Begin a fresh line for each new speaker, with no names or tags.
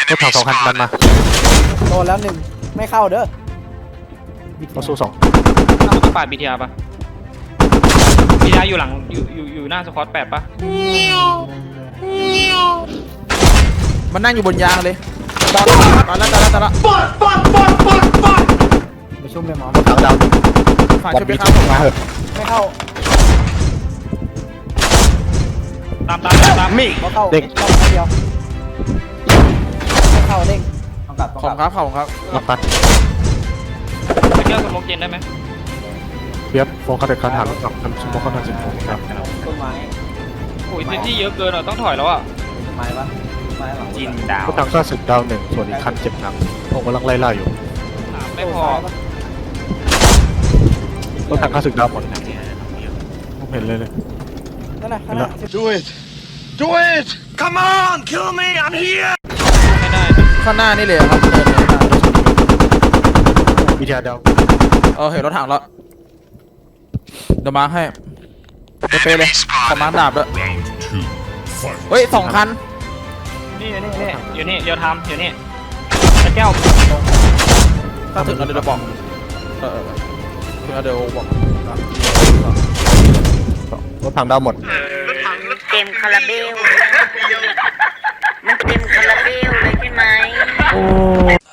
รถถัง2 คันดันมา
โดนแล้วหนึ่งไม่เข้าเด้อ
เราสู้2
ต้องปาดบีทีอาร์ปะบีทีอาร์อยู่หลังอยู่หน้าสควอต8ปะ
มันนั่งอยู่บนยางเลยตอนแล้ว
ไปชุ่มเลยหมอ
รถถังดาว
ฝ่าย
บอ
ช่
ล
วยไป
บี
ข้ามผม
มาเหอะ
ไม่เข้า
ตาม
มี
เขาเข้า
เด็ก
เข้าเดียวไม่เข้าเด้งต้องกลับ
ขอบครับ
รับตัด
ไปเที่ยวสโมกเย็นได้ไหม
เปียบโฟกัสเด็กคันถังรถถังทำสมมติเขาทำ10 โมงครับ
ต้นไม้
โอ้ยที่เยอะเกินอ่ะต้องถอยแล้วอ่ะ
ไม้ปะไม้หลัง
จินดาว
รถถังก็สึกดาว1ส่วนอีกคันเจ็บหนักผมกำลังไล่อยู่
ไม่พอ
รถถังก็สึกดาวหมดผมเห็นเลย
นั่นน่ะข้างหน้า
Do it! Do it! Come on! Kill me! I'm here!
ไม่ได้
ข้างหน้านี่เลยครับเดินเลย
วิทยาดาว
เห็นรถถังแล้วเดี๋ยวมาให้เป๊ะเลยขอมาดาบด้วยเฮ้ย2 คัน
นี่อยู่นี่เรียวไทม์อยู่นี่ตะแก้ว
ถ้าถึงแล้วเดี๋ยวบอกถึงแล้วเดี๋ยวบอก
รถถังดาวหมด
เต็มคาราเบล มันเต็มคาราเบลเลยใช่ไหม